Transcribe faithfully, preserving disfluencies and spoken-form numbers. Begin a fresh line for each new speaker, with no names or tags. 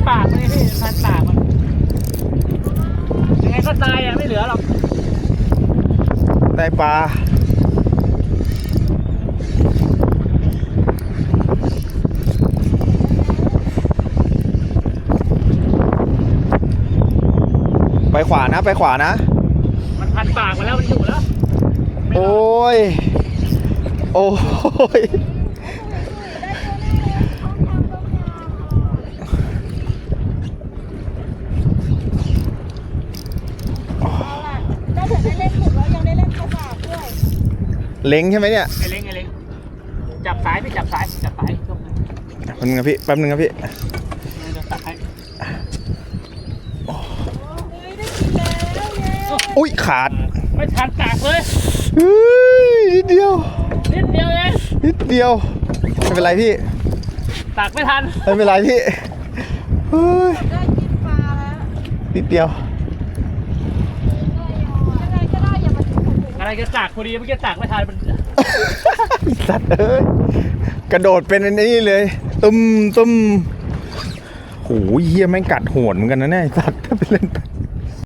ปากมันพี่พันปากมันยังไงก็ตายอ่ะไม่เหลือหรอก
ได้ปลาไปขวานะไปขวานะ
มันพันปากมาแล้วมันอยู่แล้ว
โอ้ยโอ้ย
ได้ถึงได้เล่นถูกแล้วยังได้เล่นกระสาบด้วย
เล้งใช่ไหมเนี่ย
ไอ้เล้งไอ้เล้งจับสายไม่จับสายจับสายยก
แป๊บนึงครับพี่แป๊บนึงครับพี่
จับสาย
อุ้ยขาด
ไม่ทันตากเลย
นิดเดียว
นิดเดียวเอง
นิดเดียวไม่เป็นไรพี่
ตากไม่ทัน
ไม่เป็นไรพี่เฮ้ย
ได้กินปลาแล้ว
นิดเดียว
ยังไงก็ได้อย่ามาถึงผม
อะไรจะตากพอดีเมื่อกี้ตากไม่ทันมัน
สัตว์เอ้ยกระโดดเป็นอันนี้เลยตุ้มตุ้มโหเหี้ยแม่งกัดโหดเหมือนกันนะเนี่ยสัตว์ถ้าไปเล่น